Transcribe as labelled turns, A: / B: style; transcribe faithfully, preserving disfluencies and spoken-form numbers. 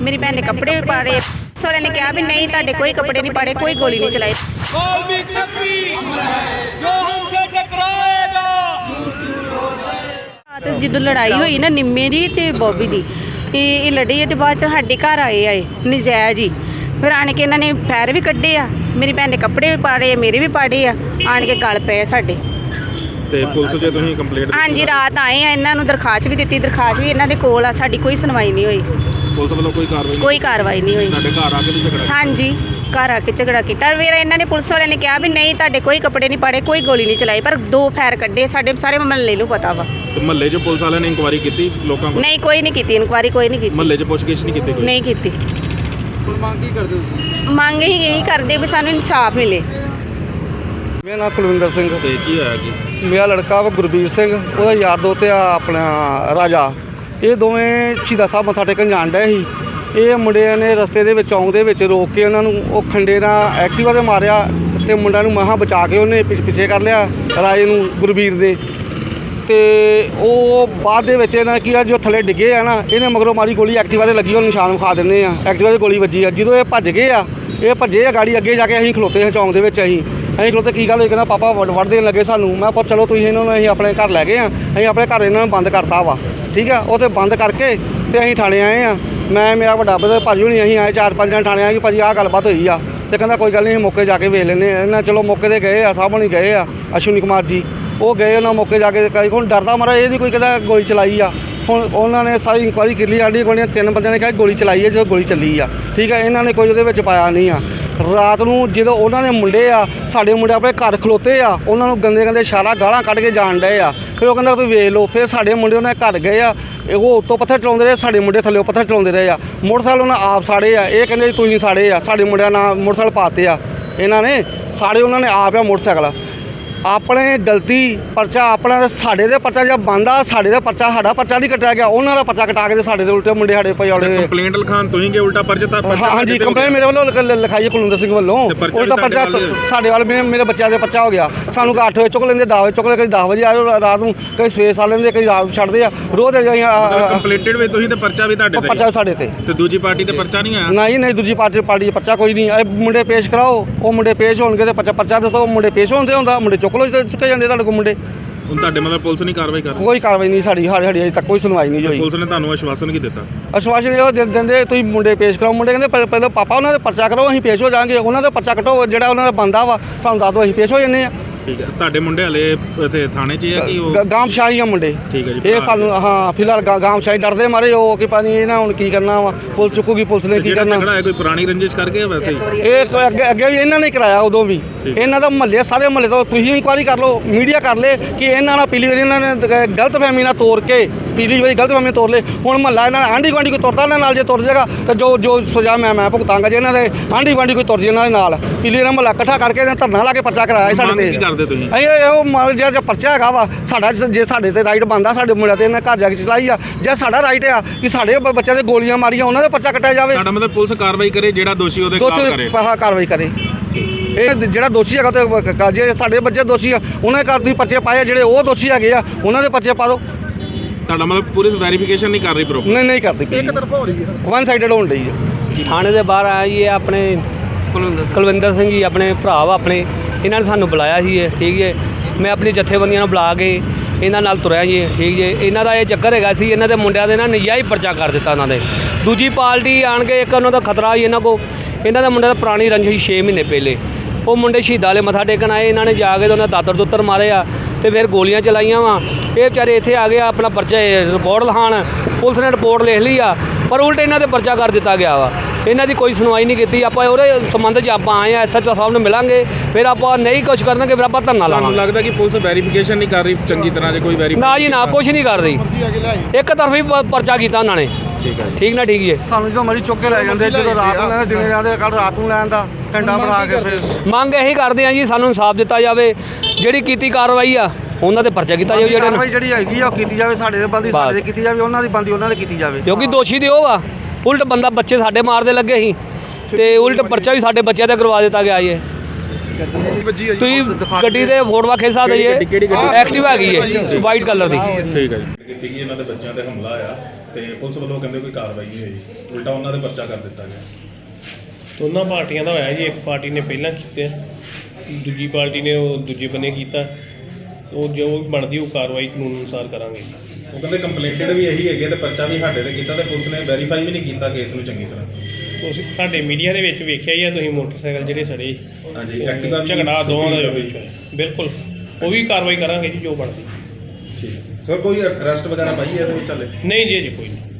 A: मेरी भैन ने कपड़े भी पाड़े। पुलिस वाले ने कहा भी नहीं ताड़े कोई कपड़े नहीं पाड़े, कोई गोली नहीं चलाई। ਜਦੋਂ ਲੜਾਈ ਹੋਈ ਨਾ ਨਿੰਮੇ ਦੀ ਤੇ ਬੋਬੀ ਦੀ, ਇਹ ਇਹ ਲੜੀ ਤੇ ਬਾਅਦ ਚ ਸਾਡੇ ਘਰ ਆਏ ਆਏ ਨਜਾਇਜ਼ ਹੀ। ਫਿਰ ਆਣ ਕੇ ਇਹਨਾਂ ਨੇ ਫੈਰ ਵੀ ਕੱਢੇ ਆ, ਮੇਰੀ ਭੈਣ ਦੇ ਕੱਪੜੇ ਵੀ ਪਾੜੇ, ਮੇਰੇ ਵੀ ਪਾੜੇ ਆ, ਆਣ ਕੇ ਗਲ ਪਏ ਸਾਡੇ।
B: ਤੇ ਪੁਲਿਸ ਜੇ ਤੁਸੀਂ ਕੰਪਲੇਂਟ? ਹਾਂਜੀ,
A: ਰਾਤ ਆਏ ਆ, ਇਹਨਾਂ ਨੂੰ ਦਰਖਾਸਤ ਵੀ ਦਿੱਤੀ, ਦਰਖਾਸਤ ਵੀ ਇਹਨਾਂ ਦੇ ਕੋਲ ਆ, ਸਾਡੀ ਕੋਈ ਸੁਣਵਾਈ ਨਹੀਂ ਹੋਈ।
B: ਪੁਲਿਸ ਵੱਲੋਂ ਕੋਈ ਕਾਰਵਾਈ
A: ਕੋਈ ਕਾਰਵਾਈ ਨਹੀਂ ਹੋਈ।
B: ਤੁਹਾਡੇ ਘਰ ਆ ਕੇ ਵੀ ਝਗੜਾ?
A: ਹਾਂਜੀ, ਘਰ ਆ ਕੇ ਝਗੜਾ ਕੀਤਾ। ਫਿਰ ਇਹਨਾਂ ਨੇ ਪੁਲਿਸ ਵਾਲਿਆਂ ਨੇ ਕਿਹਾ ਵੀ ਨਹੀਂ ਤੁਹਾਡੇ ਕੋਈ ਕੱਪੜੇ ਨਹੀਂ ਪਾੜੇ, ਕੋਈ ਗੋਲੀ ਨਹੀਂ ਚਲਾਈ, ਪਰ ਦੋ ਫੈਰ ਕੱਢੇ। ਸਾਡੇ ਸਾਰੇ ਮਹੱਲੇ ਨੂੰ ਪਤਾ ਵਾ।
B: ਤੇ ਮਹੱਲੇ 'ਚ ਪੁਲਿਸ ਵਾਲਿਆਂ ਨੇ ਇਨਕੁਆਇਰੀ ਕੀਤੀ ਲੋਕਾਂ ਕੋਲ?
A: ਨਹੀਂ, ਕੋਈ ਨਹੀਂ ਕੀਤੀ ਇਨਕੁਆਇਰੀ, ਕੋਈ ਨਹੀਂ ਕੀਤੀ।
B: ਮਹੱਲੇ 'ਚ ਪੁੱਛਗਿੱਛ ਨਹੀਂ ਕੀਤੀ ਕੋਈ?
A: ਨਹੀਂ ਕੀਤੀ।
C: ਮੰਗ ਕੀ ਕਰਦੇ ਹੋ?
A: ਮੰਗ ਹੀ ਇਹੀ ਕਰਦੇ ਵੀ ਸਾਨੂੰ ਇਨਸਾਫ ਮਿਲੇ।
C: ਮੇਰਾ ਨਾਮ ਕੁਲਵਿੰਦਰ ਸਿੰਘ।
B: ਤੇ ਕੀ ਹੋਇਆ ਕਿ
C: ਮੇਰਾ ਲੜਕਾ ਵਾ ਗੁਰਬੀਰ ਸਿੰਘ, ਉਹਦਾ ਯਾਰ ਦੋਸਤ ਆ ਆਪਣਾ ਰਾਜਾ। ਇਹ ਦੋਵੇਂ ਸ਼ਹੀਦਾਂ ਸਾਹਿਬ ਮੱਥਾ ਟੇਕਣ ਜਾਣ ਡਏ ਸੀ। ਇਹ ਮੁੰਡਿਆਂ ਨੇ ਰਸਤੇ ਦੇ ਵਿੱਚ ਚੌਂਕ ਦੇ ਵਿੱਚ ਰੋਕ ਕੇ ਉਹਨਾਂ ਨੂੰ ਉਹ ਖੰਡੇ ਨਾਲ ਐਕਟਿਵਾ 'ਤੇ ਮਾਰਿਆ ਤੇ ਮੁੰਡਿਆਂ ਨੂੰ ਮਹਾਂ ਬਚਾ ਕੇ ਉਹਨੇ ਪਿੱਛੇ ਪਿੱਛੇ ਕਰ ਲਿਆ ਰਾਜੇ ਨੂੰ, ਗੁਰਬੀਰ ਦੇ। ਤੇ ਉਹ ਬਾਅਦ ਦੇ ਵਿੱਚ ਇਹਨਾਂ ਕੀ ਆ ਜੋ ਥੱਲੇ ਡਿੱਗੇ ਆ ਨਾ, ਇਹਨੇ ਮਗਰੋਂ ਮਾਰੀ ਗੋਲੀ, ਐਕਟਿਵਾ 'ਤੇ ਲੱਗੀ, ਉਹ ਨਿਸ਼ਾਨ ਵਿਖਾ ਦਿੰਦੇ ਆ, ਐਕਟਿਵਾ 'ਤੇ ਗੋਲੀ ਵੱਜੀ ਆ। ਜਦੋਂ ਇਹ ਭੱਜ ਗਏ ਆ, ਇਹ ਭੱਜੇ ਆ ਗਾੜੀ ਅੱਗੇ ਜਾ ਕੇ, ਅਸੀਂ ਖਲੋਤੇ ਹਾਂ ਚੌਂਕ ਦੇ ਵਿੱਚ। ਅਸੀਂ ਅਸੀਂ ਖਲੋਤੇ ਕੀ ਗੱਲ ਹੋਈ? ਕਹਿੰਦਾ ਪਾਪਾ ਵੜ ਵੜ ਦੇਣ ਲੱਗੇ ਸਾਨੂੰ। ਮੈਂ ਪੁੱਛ ਚਲੋ ਤੁਸੀਂ ਇਹਨਾਂ ਨੂੰ, ਅਸੀਂ ਆਪਣੇ ਘਰ ਲੈ ਗਏ ਆ, ਅਸੀਂ ਆਪਣੇ ਘਰ ਇਹਨਾਂ ਨੂੰ ਬੰਦ ਕਰਤਾ ਵਾ, ਠੀਕ ਆ। ਉਹ 'ਤੇ ਬੰਦ ਕਰਕੇ ਤੇ ਅਸੀਂ ਥਾਣੇ ਆਏ ਆ। ਮੈਂ ਮੇਰਾ ਵੱਡਾ ਬ੍ਰਦਰ ਭਾਜੀ ਹੋਣੀ, ਅਸੀਂ ਆਏ ਚਾਰ ਪੰਜ ਜਣ ਥਾਣੇ ਆਏ ਕਿ ਭਾਜੀ ਆਹ ਗੱਲਬਾਤ ਹੋਈ ਆ। ਤੇ ਕਹਿੰਦਾ ਕੋਈ ਗੱਲ ਨਹੀਂ, ਅਸੀਂ ਮੌਕੇ ਜਾ ਕੇ ਵੇਖ ਲੈਂਦੇ ਆ। ਇਹਨਾਂ ਚਲੋ ਮੌਕੇ 'ਤੇ ਗਏ ਆ, ਸਾਹਿਬ ਹੋਣੀ ਗਏ ਆ, ਅਸ਼ਵਨੀ ਕੁਮਾਰ ਜੀ, ਉਹ ਗਏ ਉਹਨਾਂ ਮੌਕੇ ਜਾ ਕੇ। ਕਈ ਹੁਣ ਡਰਦਾ ਮਾਰਾ ਇਹ ਨਹੀਂ ਕੋਈ ਕਹਿੰਦਾ ਗੋਲੀ ਚਲਾਈ ਆ। ਹੁਣ ਉਹਨਾਂ ਨੇ ਸਾਰੀ ਇਨਕੁਆਇਰੀ ਕਰ ਲਈ, ਸਾਡੀ ਗੋਲੀਆਂ ਤਿੰਨ ਬੰਦਿਆਂ ਨੇ ਕਿਹਾ ਗੋਲੀ ਚਲਾਈ ਹੈ, ਜਦੋਂ ਗੋਲੀ ਚੱਲੀ ਆ, ਠੀਕ ਹੈ। ਇਹਨਾਂ ਨੇ ਕੋਈ ਉਹਦੇ ਵਿੱਚ ਪਾਇਆ ਨਹੀਂ ਆ। ਰਾਤ ਨੂੰ ਜਦੋਂ ਉਹਨਾਂ ਦੇ ਮੁੰਡੇ ਆ, ਸਾਡੇ ਮੁੰਡੇ ਆਪਣੇ ਘਰ ਖਲੋਤੇ ਆ, ਉਹਨਾਂ ਨੂੰ ਗੰਦੇ ਗੰਦੇ ਇਸ਼ਾਰਾ ਗਾਲਾਂ ਕੱਢ ਕੇ ਜਾਣ ਡਏ ਆ। ਫਿਰ ਉਹ ਕਹਿੰਦਾ ਤੁਸੀਂ ਵੇਖ ਲਓ। ਫਿਰ ਸਾਡੇ ਮੁੰਡੇ ਉਹਨਾਂ ਦੇ ਘਰ ਗਏ ਆ, ਉਹ ਉੱਤੋਂ ਪੱਥਰ ਚਲਾਉਂਦੇ ਰਹੇ, ਸਾਡੇ ਮੁੰਡੇ ਥੱਲੇ ਪੱਥਰ ਚਲਾਉਂਦੇ ਰਹੇ ਆ। ਮੋਟਰਸਾਈਕਲ ਉਹਨਾਂ ਆਪ ਸਾੜੇ ਆ, ਇਹ ਕਹਿੰਦੇ ਤੁਸੀਂ ਸਾੜੇ ਆ, ਸਾਡੇ ਮੁੰਡਿਆਂ ਨਾਲ ਮੋਟਰਸਾਈਕਲ ਪਾਤੇ ਆ ਇਹਨਾਂ ਨੇ, ਸਾੜੇ ਉਹਨਾਂ ਨੇ ਆਪ ਆ ਮੋਟਰਸਾਈਕਲ। ਆਪਣੇ ਗਲਤੀ ਪਰਚਾ ਆਪਣਾ ਤੇ ਸਾਡੇ ਦੇ ਪਰਚਾ ਜਾਂ ਬੰਦਾ, ਸਾਡੇ ਦਾ ਪਰਚਾ ਸਾਡਾ ਪਰਚਾ ਨਹੀਂ ਕੱਟਿਆ ਗਿਆ, ਉਹਨਾਂ ਦਾ ਪਰਚਾ ਕਟਾ ਕੇ ਤੇ ਸਾਡੇ ਦੇ ਉਲਟੇ ਮੁੰਡੇ ਸਾਡੇ ਪਜੌੜੇ।
B: ਕੰਪਲੇਂਟ ਲਿਖਾਣ ਤੁਸੀਂ ਕਿ ਉਲਟਾ ਪਰਚਾ? ਤਾਂ
C: ਹਾਂਜੀ, ਕੰਪਲੇਂਟ ਮੇਰੇ ਵੱਲੋਂ ਲਿਖਾਈ ਕੁਲਵਿੰਦਰ ਸਿੰਘ ਵੱਲੋਂ। ਉਲਟਾ ਪਰਚਾ ਸਾਡੇ ਵੱਲ, ਮੇਰੇ ਬੱਚਿਆਂ ਦੇ ਪਰਚਾ ਹੋ ਗਿਆ। ਸਾਨੂੰ ਕਿ ਅੱਠ ਵਜੇ ਚੁੱਕ ਲੈਂਦੇ, ਦਸ ਵਜੇ ਚੁੱਕ ਲੈ, ਕਈ ਦਸ ਵਜੇ ਆਏ ਰਾਤ ਨੂੰ, ਕਈ ਸਵੇਰੇ ਸਾਲ ਲੈਂਦੇ, ਕਈ ਰਾਤ ਨੂੰ ਛੱਡਦੇ ਆ। ਰੋਜ਼
B: ਕੰਪਲੀਟਡ ਵੇ ਤੁਸੀਂ ਤੇ ਪਰਚਾ ਵੀ ਤੁਹਾਡੇ ਤੇ?
C: ਪਰਚਾ ਸਾਡੇ ਤੇ।
B: ਤੇ ਦੂਜੀ ਪਾਰਟੀ ਤੇ ਪਰਚਾ ਨਹੀਂ ਆਇਆ?
C: ਨਹੀਂ ਨਹੀਂ, ਦੂਜੀ ਪਾਰਟੀ ਪਾਰਟੀ ਪਰਚਾ ਕੋਈ ਨਹੀਂ। ਇਹ ਮੁੰਡੇ ਪੇਸ਼ ਕਰਾਓ, ਉਹ ਮੁੰਡੇ ਪੇਸ਼ ਹੋਣਗੇ ਤੇ ਪਰਚਾ ਪਰਚਾ ਦੱਸੋ। ਮੁੰਡੇ ਪੇਸ਼ ਹੁੰਦੇ ਹੁੰਦਾ, ਮੁੰਡੇ ਚੁੱਕ ਲੋ ਚੁੱਕੇ ਜਾਂਦੇ ਤੁਹਾਡੇ ਕੋਲ ਮੁੰਡੇ।
B: ਹੁਣ ਤੁਹਾਡੇ ਮਤਲਬ ਪੁਲਿਸ ਨਹੀਂ ਕਾਰਵਾਈ ਕਰ ਰਹੀ?
C: ਕੋਈ ਕਾਰਵਾਈ ਨਹੀਂ ਸਾਡੀ, ਸਾਡੀ ਸਾਡੀ ਅਜੇ ਤੱਕ ਕੋਈ ਸੁਣਵਾਈ ਨਹੀਂ ਹੋਈ।
B: ਪੁਲਿਸ ਨੇ ਤੁਹਾਨੂੰ ਆਸ਼ਵਾਸਨ ਕੀ ਦਿੱਤਾ?
C: ਆਸ਼ਵਾਸਨ ਇਹ ਦਿੰਦੇ ਤੁਸੀਂ ਮੁੰਡੇ ਪੇਸ਼ ਕਰਾਓ। ਮੁੰਡੇ ਕਹਿੰਦੇ ਪਹਿਲਾਂ ਪਾਪਾ ਉਹਨਾਂ ਦੇ ਪਰਚਾ ਕਰੋ, ਅਸੀਂ ਪੇਸ਼ ਹੋ ਜਾਵਾਂਗੇ। ਉਹਨਾਂ ਦਾ ਪਰਚਾ ਕੱਟੋ, ਜਿਹੜਾ ਉਹਨਾਂ ਦਾ ਬੰਦਾ ਵਾ ਸਾਨੂੰ ਦੱਸ ਦਿਓ, ਅਸੀਂ ਪੇਸ਼ ਹੋ ਜੰਨੇ ਆ।
B: ਠੀਕ ਹੈ। ਤੁਹਾਡੇ ਮੁੰਡੇ ਹਲੇ ਇੱਥੇ ਥਾਣੇ 'ਚ ਹੈ ਕਿ ਉਹ
C: ਗਾਮਸ਼ਾਹੀ ਆ ਮੁੰਡੇ?
B: ਠੀਕ ਹੈ ਜੀ।
C: ਇਹ ਸਾਨੂੰ ਹਾਂ ਫਿਲਹਾਲ ਗਾਮਸ਼ਾਹੀ ਡਰਦੇ ਮਾਰੇ ਉਹ ਕਿ ਪਤਾ ਨਹੀਂ ਇਹਨਾਂ ਹੁਣ ਕੀ ਕਰਨਾ ਵਾ, ਪੁਲਿਸ ਚੁੱਕੂਗੀ, ਪੁਲਿਸ ਨੇ ਕੀ ਕਰਨਾ।
B: ਝਗੜਾ ਹੈ ਕੋਈ ਪੁਰਾਣੀ ਰੰਜਿਸ਼ ਕਰਕੇ ਜਾਂ ਵੈਸੇ ਹੀ?
C: ਇਹ ਅੱਗੇ ਅੱਗੇ ਵੀ ਇਹਨਾਂ ਨੇ ਕਰਾਇਆ, ਉਦੋਂ ਵੀ ਇਹਨਾਂ ਦਾ ਮਹੱਲੇ, ਸਾਰੇ ਮਹੱਲੇ ਤੋਂ ਤੁਸੀਂ ਇਨਕੁਆਇਰੀ ਕਰ ਲਓ, ਮੀਡੀਆ ਕਰ ਲੇ ਕਿ ਇਹਨਾਂ ਨਾਲ ਪਿਛਲੀ ਵਾਰੀ ਇਹਨਾਂ ਨੇ ਗਲਤਫਹਿਮੀ ਨਾਲ ਤੋੜ ਕੇ, ਪਿਛਲੀ ਵਾਰੀ ਗਲਤਫਹਿਮੀ ਤੋੜ ਲੇ। ਹੁਣ ਮਹੱਲਾ ਇਹਨਾਂ ਆਂਢੀ ਗੁਆਂਢੀ ਕੋਈ ਤੁਰਦਾ ਇਹਨਾਂ ਨਾਲ, ਜੇ ਤੁਰ ਜਾਏਗਾ ਤਾਂ ਜੋ ਜੋ ਸਜ਼ਾ ਮੈਂ ਮੈਂ ਭੁਗਤਾਂਗਾ। ਜੇ ਇਹਨਾਂ ਦੇ ਆਂਢੀ ਗੁਆਂਢੀ ਕੋਈ ਤੁਰ ਜੇ ਇਹਨਾਂ ਦੇ ਨਾਲ, ਪਿਛਲੀ ਵਾਰ ਮਹੱਲਾ ਇਕੱਠਾ ਕਰਕੇ ਇਹਨਾਂ ਧਰਨਾ ਲਾ ਕੇ ਪਰਚਾ ਕਰਾਇਆ ਸਾਡੇ ਤੇ।
B: ਕੀ ਕਰਦੇ ਤੁਸੀਂ?
C: ਅਸੀਂ ਉਹ ਜਿਹੜਾ ਪਰਚਾ ਹੈਗਾ ਵਾ ਸਾਡਾ, ਜੇ ਸਾਡੇ ਤੇ ਰਾਈਟ ਬਣਦਾ ਸਾਡੇ ਮੁੰਡਿਆਂ ਤੇ ਇਹਨਾਂ ਘਰ ਜਾ ਕੇ ਚਲਾਈ ਆ, ਜੇ ਸਾਡਾ ਰਾਈਟ ਆ ਕਿ ਸਾਡੇ ਬੱਚਿਆਂ ਦੇ ਗੋਲੀਆਂ ਮਾਰੀਆਂ ਉਹਨਾਂ ਦਾ ਪਰਚਾ ਕੱਟਿਆ ਜਾਵੇ।
B: ਸਾਡਾ ਮਤਲਬ ਪੁਲਿਸ ਕਾਰਵਾਈ ਕਰੇ, ਜਿਹੜਾ ਦੋਸ਼ੀ ਉਹਦੇ ਖਿਲਾਫ ਕਰੇ।
C: ਹਾਂ, ਕਾਰਵਾਈ ਕਰੇ। ਇਹ ਜਿਹੜਾ ਦੋਸ਼ੀ ਹੈਗਾ ਤੇ ਜੇ ਸਾਡੇ ਬੱਚੇ ਦੋਸ਼ੀ ਆ ਉਹਨਾਂ ਦੇ ਘਰ ਤੁਸੀਂ ਪਰਚੇ ਪਾਏ, ਜਿਹੜੇ ਉਹ ਦੋਸ਼ੀ ਹੈਗੇ ਆ ਉਹਨਾਂ ਦੇ ਪਰਚੇ ਪਾ ਦਿਓ।
B: ਤੁਹਾਡਾ ਮਤਲਬ ਪੁਲਿਸ ਵੈਰੀਫਿਕੇਸ਼ਨ ਨਹੀਂ ਕਰ ਰਹੀ ਪ੍ਰੋਪਰ?
C: ਨਹੀਂ ਨਹੀਂ ਕਰਦੀ, ਇੱਕ ਤਰਫਾ ਹੋ ਰਹੀ ਹੈ, ਵਨ ਸਾਈਡਡ ਹੋਣ ਡਈ ਹੈ।
D: ਥਾਣੇ ਦੇ ਬਾਹਰ ਆਇਆ ਜੀ ਆਪਣੇ ਕੁਲਵਿੰਦਰ ਸਿੰਘ ਜੀ, ਆਪਣੇ ਭਰਾ ਵਾ ਆਪਣੇ, ਇਹਨਾਂ ਨੇ ਸਾਨੂੰ ਬੁਲਾਇਆ ਸੀ। ਇਹ ਠੀਕ ਹੈ, ਮੈਂ ਆਪਣੀ ਜਥੇਬੰਦੀਆਂ ਨੂੰ ਬੁਲਾ ਕੇ ਇਹਨਾਂ ਨਾਲ ਤੁਰਿਆ ਜੀ, ਠੀਕ ਜੀ। ਇਹਨਾਂ ਦਾ ਇਹ ਚੱਕਰ ਹੈਗਾ ਸੀ, ਇਹਨਾਂ ਦੇ ਮੁੰਡਿਆਂ ਦੇ ਨਾ ਨਜਾਇਜ਼ ਪਰਚਾ ਕਰ ਦਿੱਤਾ ਉਹਨਾਂ ਦੇ। ਦੂਜੀ ਪਾਰਟੀ ਆਣ ਕੇ, ਇੱਕ ਉਹਨਾਂ ਦਾ ਖਤਰਾ ਸੀ ਇਹਨਾਂ ਕੋ, ਇਹਨਾਂ ਦੇ ਮੁੰਡਿਆਂ ਦਾ ਪੁਰਾਣੀ ਰੰਜਿਸ਼ ਛੇ ਮਹੀਨੇ ਪਹਿਲੇ। ਉਹ ਮੁੰਡੇ ਸ਼ਹੀਦਾਂ ਵਾਲੇ ਮੱਥਾ ਟੇਕਣ ਆਏ, ਇਹਨਾਂ ਨੇ ਜਾ ਕੇ ਉਹਨਾਂ ਦਾਤਰ ਦੁੱਤਰ ਮਾਰੇ ਆ ਤੇ ਫਿਰ ਗੋਲੀਆਂ ਚਲਾਈਆਂ ਵਾ। ਇਹ ਵਿਚਾਰੇ ਇੱਥੇ ਆ ਗਏ ਆਪਣਾ ਪਰਚਾ ਰਿਪੋਰਟ ਲਿਖਾਉਣ, ਪੁਲਿਸ ਨੇ ਰਿਪੋਰਟ ਲਿਖ ਲਈ ਆ, ਪਰ ਉਲਟ ਇਹਨਾਂ ਦੇ ਪਰਚਾ ਕਰ ਦਿੱਤਾ ਗਿਆ ਵਾ। ਇਹਨਾਂ ਦੀ ਕੋਈ ਸੁਣਵਾਈ ਨਹੀਂ ਕੀਤੀ। ਆਪਾਂ ਉਹਦੇ ਸੰਬੰਧ 'ਚ ਆਪਾਂ ਆਏ ਆ, ਐਸ ਐਚ ਓ ਸਾਹਿਬ ਨੂੰ ਮਿਲਾਂਗੇ, ਫਿਰ ਆਪਾਂ ਨਹੀਂ ਕੁਛ ਕਰਨਗੇ, ਫਿਰ ਆਪਾਂ ਧਰਨਾ ਲਾਵਾਂਗੇ।
B: ਲੱਗਦਾ ਕਿ ਪੁਲਿਸ ਵੈਰੀਫਿਕੇਸ਼ਨ ਨਹੀਂ ਕਰ ਰਹੀ ਚੰਗੀ ਤਰ੍ਹਾਂ? ਜੇ ਕੋਈ ਵੈਰੀਫਿਕੇਸ਼ਨ
D: ਨਾ ਜੀ ਨਾ, ਕੁਛ ਨਹੀਂ ਕਰ ਰਹੀ, ਇੱਕ ਤਰਫੀ ਪਰਚਾ ਕੀਤਾ ਉਹਨਾਂ ਨੇ।
B: ਠੀਕ ਹੈ,
D: ਠੀਕ ਨਾ, ਠੀਕ ਹੈ।
C: ਸਾਨੂੰ ਜਦੋਂ ਮਰਜ਼ੀ ਚੁੱਕ ਕੇ ਲੈ ਜਾਂਦੇ, ਜਦੋਂ ਰਾਤ ਨੂੰ ਲੈਂਦੇ, ਦਿਨੇ ਜਾਂਦੇ, ਕੱਲ ਰਾਤ ਨੂੰ ਲੈਣ ਦਾ ਘੰਟਾ ਬਣਾ ਕੇ। ਫਿਰ
D: ਮੰਗ ਇਹੀ ਕਰਦੇ ਆ ਜੀ, ਸਾਨੂੰ ਇਨਸਾਫ ਦਿੱਤਾ ਜਾਵੇ, ਜਿਹੜੀ ਕੀਤੀ ਕਾਰਵਾਈ ਆ ਉਹਨਾਂ ਤੇ ਪਰਚਾ ਕੀਤਾ ਜਾਵੇ, ਜਿਹੜੇ
C: ਕਾਰਵਾਈ ਜਿਹੜੀ ਹੈਗੀ ਆ ਉਹ ਕੀਤੀ ਜਾਵੇ, ਸਾਡੇ ਦੇ ਬੰਦੀ ਸਾਡੇ ਦੇ ਕੀਤੀ ਜਾਵੇ, ਉਹਨਾਂ ਦੀ ਬੰਦੀ ਉਹਨਾਂ ਦੇ ਕੀਤੀ ਜਾਵੇ।
D: ਕਿਉਂਕਿ ਦੋਸ਼ੀ ਤੇ ਉਹ ਆ, ਉਲਟ ਬੰਦਾ ਬੱਚੇ ਸਾਡੇ ਮਾਰਦੇ ਲੱਗੇ ਸੀ ਤੇ ਉਲਟ ਪਰਚਾ ਵੀ ਸਾਡੇ ਬੱਚਿਆਂ ਤੇ ਕਰਵਾ ਦਿੱਤਾ ਗਿਆ ਜੀ। ਤੁਸੀਂ ਗੱਡੀ ਦੇ ਫੋਟੋਆਂ ਖਿੱਚ ਸਕਦੇ ਜੀ, ਐਕਟਿਵਾ ਹੈਗੀ ਹੈ ਵਾਈਟ ਕਲਰ ਦੀ।
B: ਠੀਕ ਹੈ ਜੀ। ਇਹਨਾਂ ਦੇ ਬੱਚਿਆਂ ਤੇ ਹਮਲਾ ਆਇਆ ਤੇ ਪੁਲਿਸ ਵੱਲੋਂ ਕਹਿੰਦੇ ਕੋਈ ਕਾਰਵਾਈ ਨਹੀਂ ਹੋਈ, ਉਲਟਾ ਉਹਨਾਂ ਦੇ ਪਰਚਾ ਕਰ ਦਿੱਤਾ ਗਿਆ।
E: ਦੋਨਾਂ ਪਾਰਟੀਆਂ ਦਾ ਹੋਇਆ ਜੀ। ਇੱਕ ਪਾਰਟੀ ਨੇ ਪਹਿਲਾਂ ਕੀਤੇ, ਦੂਜੀ ਪਾਰਟੀ ਨੇ ਉਹ ਦੂਜੇ ਬੰਨੇ ਕੀਤਾ। ਉਹ ਜੋ ਵੀ ਬਣਦੀ ਉਹ ਕਾਰਵਾਈ ਕਾਨੂੰਨ ਅਨੁਸਾਰ ਕਰਾਂਗੇ।
B: ਉਹ ਕਹਿੰਦੇ ਕੰਪਲੇਂਟਡ ਵੀ ਇਹੀ ਹੈਗੇ ਤੇ ਪਰਚਾ ਵੀ ਸਾਡੇ ਤੇ ਕੀਤਾ ਤੇ ਪੁਲਿਸ ਨੇ ਵੈਰੀਫਾਈ ਵੀ ਨਹੀਂ ਕੀਤਾ ਕੇਸ ਨੂੰ ਚੰਗੀ ਤਰ੍ਹਾਂ।
E: ਤੁਸੀਂ ਤੁਹਾਡੇ ਮੀਡੀਆ ਦੇ ਵਿੱਚ ਵੇਖਿਆ ਹੀ ਆ ਤੁਸੀਂ, ਮੋਟਰਸਾਈਕਲ ਜਿਹੜੇ ਸੜੇ,
B: ਹਾਂਜੀ, ਐਕਟਿਵਾ ਵੀ
E: ਝਗੜਾ ਦੋਵਾਂ ਦਾ
B: ਵੀ।
E: ਵਿੱਚ ਹੋਇਆ। ਬਿਲਕੁਲ ਉਹ ਵੀ ਕਾਰਵਾਈ ਕਰਾਂਗੇ ਜੀ ਜੋ ਬਣਦੀ।
B: ਠੀਕ ਸਰ, ਕੋਈ ਅਰੈਸਟ ਵਗੈਰਾ ਪਾਈ ਹੈ ਇਹਦੇ ਵਿੱਚ ਹਾਲੇ?
E: ਨਹੀਂ ਜੀ ਅਜੇ ਕੋਈ ਨਹੀਂ।